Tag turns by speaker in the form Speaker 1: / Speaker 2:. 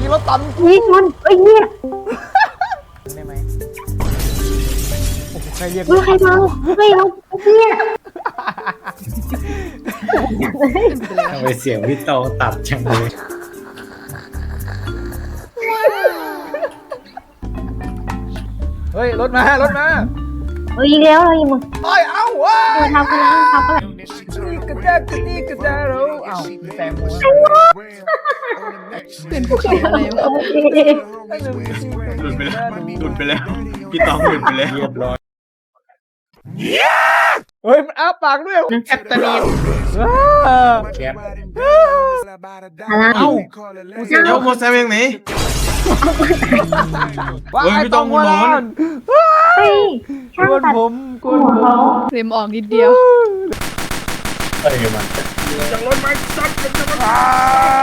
Speaker 1: รถตัน
Speaker 2: นี่ชนเอ้ยเนี่ย
Speaker 1: ได้ไหมโอ้โหใครเรียก
Speaker 2: ใครเมาเฮ้ยเราเนี่ย
Speaker 3: ทำไมเสียงพี่โตตัดจังเลย
Speaker 1: เฮ้ยรถมารถมา
Speaker 2: เฮ้ยอีกแล้วเรายังมึง
Speaker 1: เอ้ยเอ้าว้า
Speaker 2: ทำกันแล้วทำกันแล้ว
Speaker 1: นี่กระแจกนี่กระแจเราเอ้าแตงโม
Speaker 4: เป็นภูเขาอะไรวะ
Speaker 2: โอเค
Speaker 5: หลุดไปแล้วหลุดไปแล้วพี่ตองหลุดไปแล้ว
Speaker 3: เรียบร้อย
Speaker 1: เฮ้ยมันอ้าปากด้วยแอบตะนีบ
Speaker 3: แคป
Speaker 2: อะไร
Speaker 1: เอ้า
Speaker 5: เดี๋ยวโมเซเองไหน
Speaker 1: ว้า
Speaker 5: เฮ้ย
Speaker 1: ไอ้
Speaker 5: พี่
Speaker 1: ต
Speaker 5: ต้
Speaker 1: อ
Speaker 5: อง ง
Speaker 1: หัวล้าน
Speaker 2: เฮ้ย
Speaker 1: ก
Speaker 2: ช่าง
Speaker 1: วน
Speaker 2: ตัด
Speaker 1: ผมกวนผม
Speaker 4: เรมออกนิดเดียว
Speaker 3: เอ้ยมัน
Speaker 1: อ่า